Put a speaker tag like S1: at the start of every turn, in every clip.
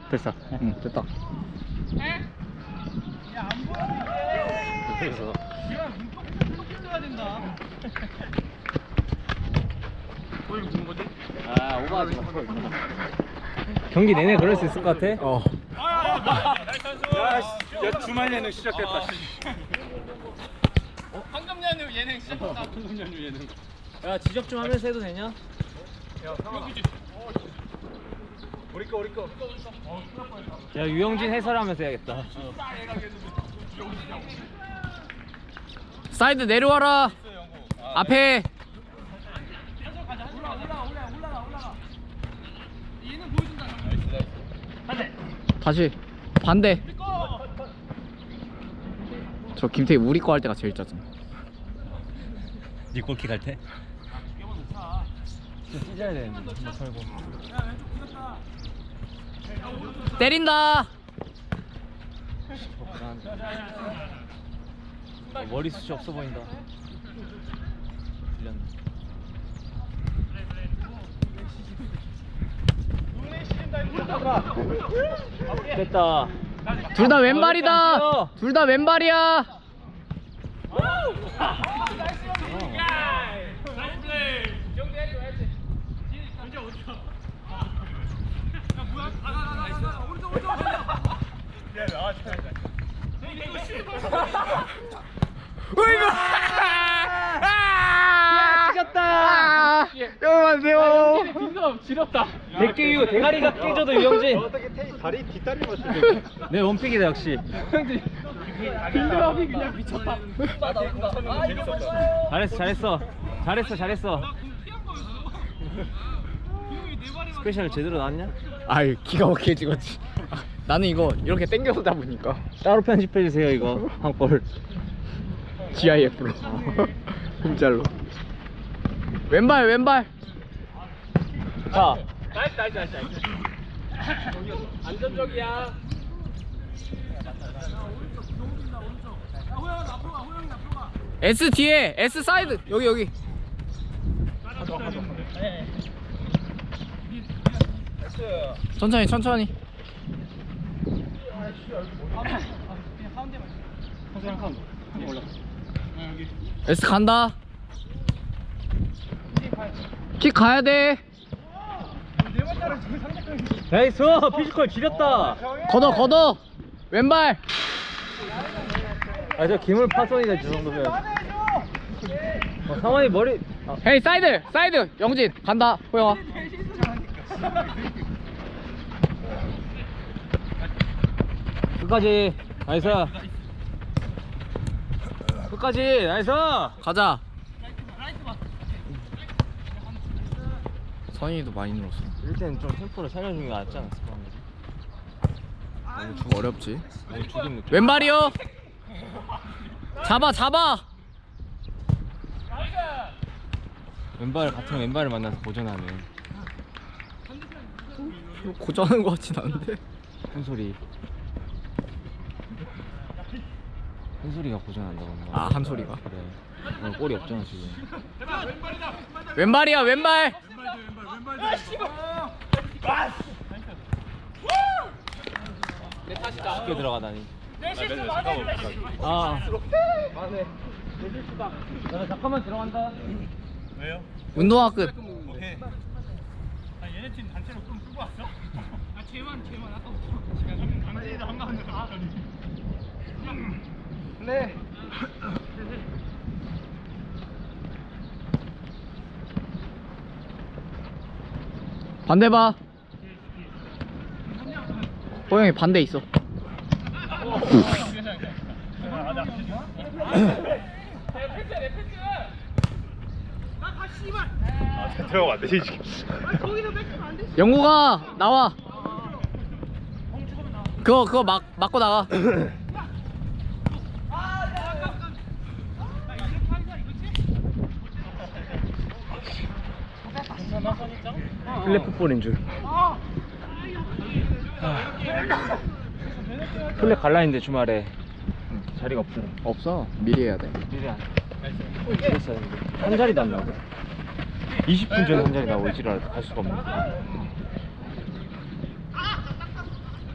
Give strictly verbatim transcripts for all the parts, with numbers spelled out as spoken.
S1: 됐어.
S2: 응, 됐다.
S1: 그래서 아 오버하지 마. 경기 내내 그럴 수 있을 것 같아?
S2: 어.
S3: 야, 주말 예능 시작됐다.
S4: 황금 연휴 예능 시작했다.
S3: 황금 연휴 예능.
S1: 야 지적 좀 하면서 해도 되냐?
S3: 우리 거 우리 거.
S1: 야 유영진 해설하면서 해야겠다.
S2: 사이드 내려와라. 앞에. 다시 반대. 저 김태희 우리 거 할 때가 제일 짜증.
S1: 네 골킥 할 때? 진짜 찢어야 되는데 뭐 털고.
S2: 때린다.
S1: 어, 머리숱이 없어 보인다. 들렸네. 됐다.
S2: 둘 다 왼발이다. 둘 다 왼발이야.
S1: 찢었다.
S2: 여러분세요.
S4: 빈도 지렸다.
S1: 백개유 대가리가 깨져도 유영진.
S3: 어떻게 테이 다리 뒷다리 맞추
S1: 내 원픽이다 역시.
S4: 빈도업이 그냥 미쳤다.
S1: 잘했어 잘했어 잘했어 잘했어. 스페셜 제대로 나왔냐?
S2: 아유 기가 막히게 찍었지. 나는 이거 이렇게 당겨서 잡으니까
S1: 따로 편집해 주세요 이거 한 골.
S2: 지아이에프로 홈짤로. 왼발 왼발.
S1: 자
S4: 나이스 나이스 나이스 나이스. 안전적이야.
S2: S 뒤에 S 사이드 여기 여기. 천천히 천천히. S 간다. 킥 가야 돼.
S1: 나이스 피지컬 지렸다.
S2: 걷어 걷어. 왼발.
S1: 아 저 기물 파손이다 저 정도면. 어, 상원이 머리. 아,
S2: 헤이 사이드 사이드 영진 간다 호영아.
S1: 끝까지 나이스. 끝까지 나이스.
S2: 가자. 선이도 많이 늘었어.
S1: 일단 좀 템포를 살려주는 게 낫지 않았을까?
S2: 너무 어렵지.
S1: 너무 죽인 느낌.
S2: 왼발이요. 잡아 잡아.
S1: 왼발 같은 왼발을 만나서 고전하는
S2: 고전하는 거 같진 않은데.
S1: 한 소리. 한 소리가 고전한다고 하는 거야.
S2: 아, 한 소리가?
S1: 그래. 오늘 골이 없잖아 지금.
S2: 왼발이야 왼발.
S1: 쉽게 들어가다니.
S4: 아.
S1: 맞네. 나 잠깐만 들어간다.
S3: 왜요?
S2: 운동화 끝.
S3: 오케이.
S4: 아 얘네 팀 단체로 좀 쓰고 왔어? 아 쟤만 쟤만 아까 단체에서 한가운데 나왔더니.
S1: 네.
S2: 반대 봐. 호영이 반대 있어.
S3: 아, 들어가면 안 되지 지금.
S2: 영구가 나와. 그거 그거 막 막고 나가.
S1: 플랫풋볼인 줄. 플랫 갈라 했는데 주말에 자리가 없더라.
S2: 없어. 미리 해야 돼.
S1: 미리 안. 그랬어야 했는데 한 자리도 안 나오고. 이십 분 전에 한 자리 나오고 지랄 갈 수가 없네.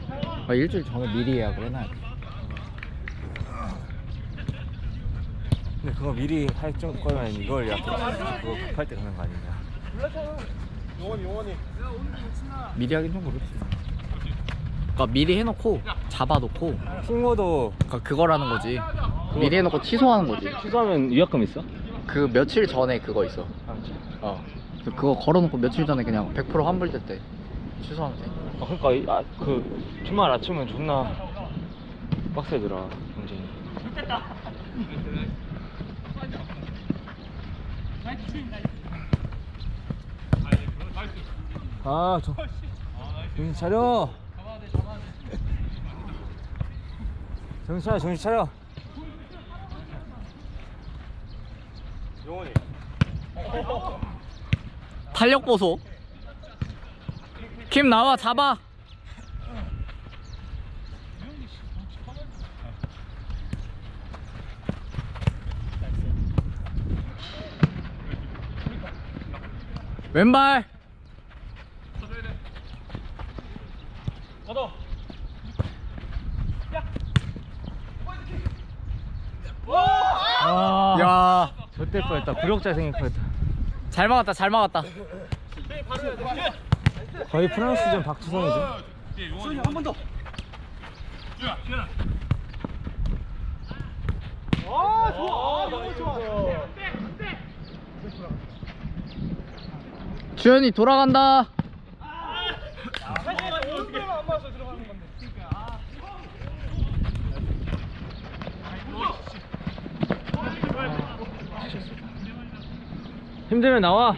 S2: 아, 일주일 전에 미리 예약을 해놔야 돼.
S1: 근데 그거 미리 할 정- 거면 이걸 약간 그거 급할 때 가는 거 아니냐.
S2: 미리 하긴 좀 그렇지. 그러니까 미리 해놓고 잡아놓고
S1: 핑거도
S2: 그러니까 그거라는 거지. 미리 해놓고 취소하는 거지.
S1: 취소하면 위약금 있어?
S2: 그 며칠 전에 그거 있어. 어. 그래서 그거 걸어놓고 며칠 전에 그냥 백 퍼센트 환불될 때 취소하면 돼.
S1: 아 그러니까 이- 아, 그 주말 아침은 존나 빡세더라 경쟁이. 아, 저 정신 차려. 정신 차려, 정신 차려.
S3: 용원이.
S2: 탄력 보소. 김 나와 잡아. 왼발.
S1: 아,
S2: 야,
S1: 좆될 뻔했다. 구력자 생길 뻔했다.
S2: 잘 막았다, 잘 막았다.
S1: 거의 프랑스전 박지성이지.
S2: 주현이 돌아간다.
S1: 힘들면 나와.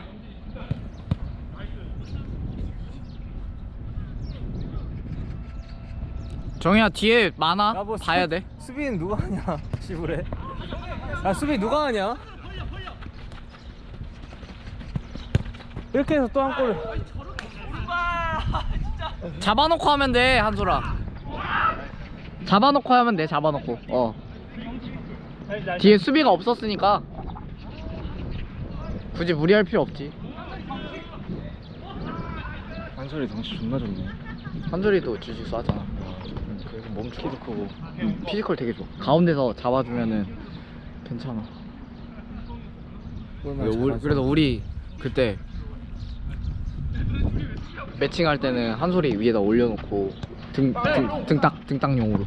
S2: 정희야 뒤에 많아.
S1: 야, 뭐
S2: 봐야
S1: 수비-
S2: 돼.
S1: 수비는 누가 하냐? 시부래. 야 수비 누가 하냐? 이렇게 해서 또 한 골을.
S2: 잡아놓고 하면 돼, 한솔아. 잡아놓고 하면 돼, 잡아놓고. 어. 뒤에 수비가 없었으니까 굳이 무리할 필요 없지.
S1: 한솔이 덩치 존나 좋네.
S2: 한솔이도 주짓수 하잖아. 응, 그래서 몸 키도 크고 응, 피지컬 되게 좋아. 가운데서 잡아주면은 괜찮아. 그래서 우리, 그래서 우리 그때 매칭할 때는 한솔이 위에다 올려놓고 등, 등, 등딱, 등딱용으로.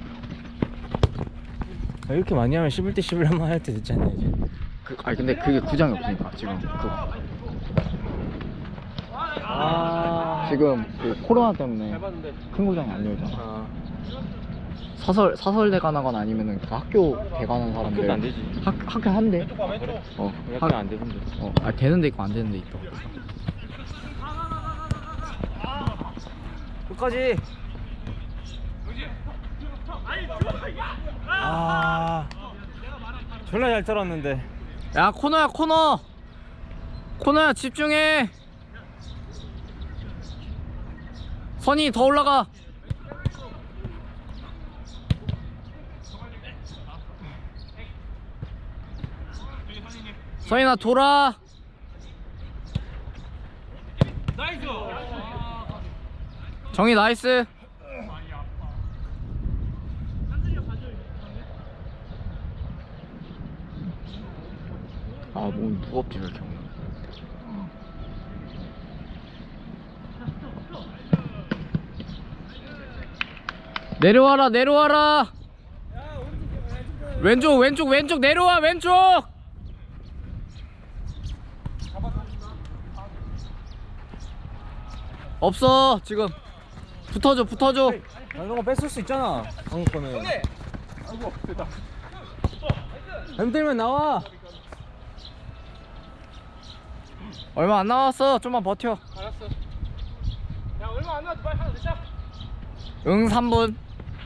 S1: 아, 이렇게 많이 하면 씹을 때 씹을 한번 할 때 됐지 않냐 이제.
S2: 그, 아니 근데 그게 구장이 없으니까 지금 그,
S1: 아
S2: 지금 그 코로나 때문에 큰 구장이 안 열잖아.
S1: 아,
S2: 사설 사설 대관하거나 아니면은 그 학교 대관한 사람들
S1: 학교도 안 되지.
S2: 학 학교 한대.
S3: 왼쪽.
S2: 어,
S1: 이렇게 안 되던데.
S2: 어, 아 되는 데 있고 안 되는 데 있다.
S1: 끝까지. 아, 졸라 잘 떨었는데.
S2: 야 코너야 코너. 코너야 집중해. 선이 더 올라가. 선이나 돌아. 정희 나이스. 아 몸 무겁지 왜 이렇게. 내려와라 내려와라. 왼쪽 왼쪽 왼쪽 내려와 왼쪽. 없어 지금. 붙어줘 붙어줘.
S1: 아, 이런 거 뺏을 수 있잖아. 방금 거는. 힘들면 나와.
S2: 얼마 안 남았어. 좀만 버텨.
S4: 알았어. 야 얼마 안 남았지 빨리 하나 넣자.
S2: 응 삼 분.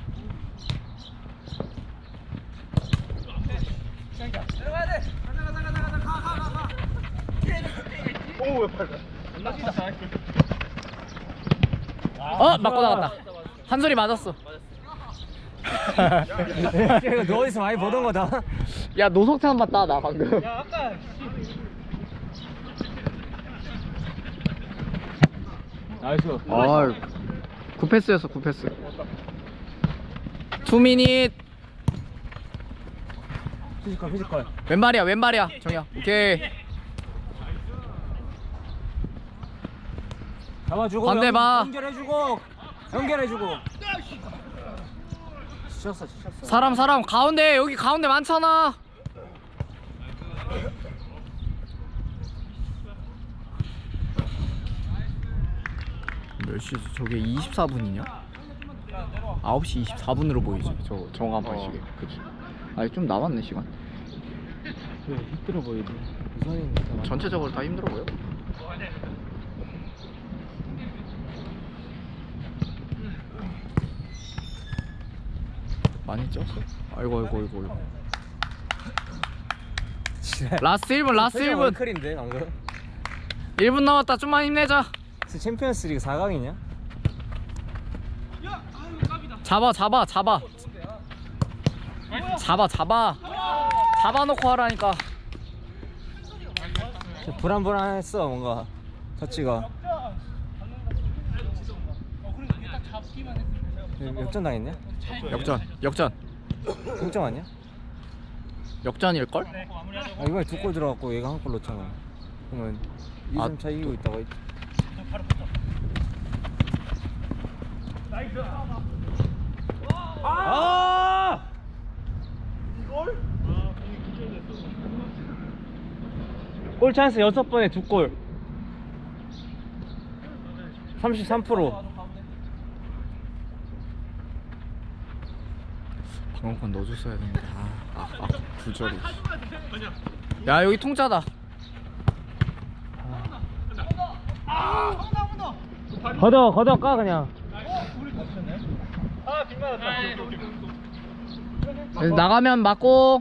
S4: 내려가야 돼. 가자 가자 가자 가자 가가 가.
S3: 오왜 팔?
S2: 어 맞고 나갔다. 한 소리 맞았어.
S1: 이거 너 어디서 많이 보던 거다.
S2: 야 노석찬 봤다 나 방금.
S4: 야 아까
S1: 나이스.
S2: 아 굿패스였어 굿패스. 투 미닛.
S1: 피지컬 피지컬.
S2: 왼발이야 왼발이야 정이야. 오케이.
S1: 잡아주고
S2: 반대 봐.
S1: 연결해주고 연결해주고. 지쳤어 지쳤어.
S2: 사람 사람 가운데 여기 가운데 많잖아. 몇 시지? 저게 이십사 분이냐? 아홉 시 이십사 분으로 보이지 저 정한 번씩에. 그치. 아니 좀 남았네 시간.
S1: 힘들어 보이지. 우선이
S2: 전체적으로 다 힘들어 보여. 많이 쪘어? 아이고 아이고 아이고 아이고. 라스트 일 분 라스트 일 분.
S1: 클인데 방금.
S2: 일 분 남았다. 좀만 힘내자.
S1: 챔피언스리그 사 강이냐?
S2: 잡아 잡아 잡아 잡아 잡아 잡아놓고 하라니까.
S1: 불안불안했어 뭔가 터치가. 역전 당했냐?
S2: 역전 역전
S1: 동점 아니야?
S2: 역전일걸?
S1: 아, 이번에 두 골 들어갔고 얘가 한 골 넣었잖아. 그러면 이 점
S2: 아,
S1: 차 이기고 있다가 아! 골 찬스 여섯 번에 두 골. 삼십삼 퍼센트.
S2: 방금건 넣어줬어야 되는데. 아, 아, 아 부절이. 야 여기 통짜다.
S1: 걷어 걷어 까 그냥.
S2: 그래서 나가면 맞고.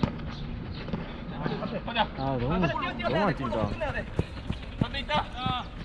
S1: 아 너무 너무 안 뛴다.
S4: 반대 있다.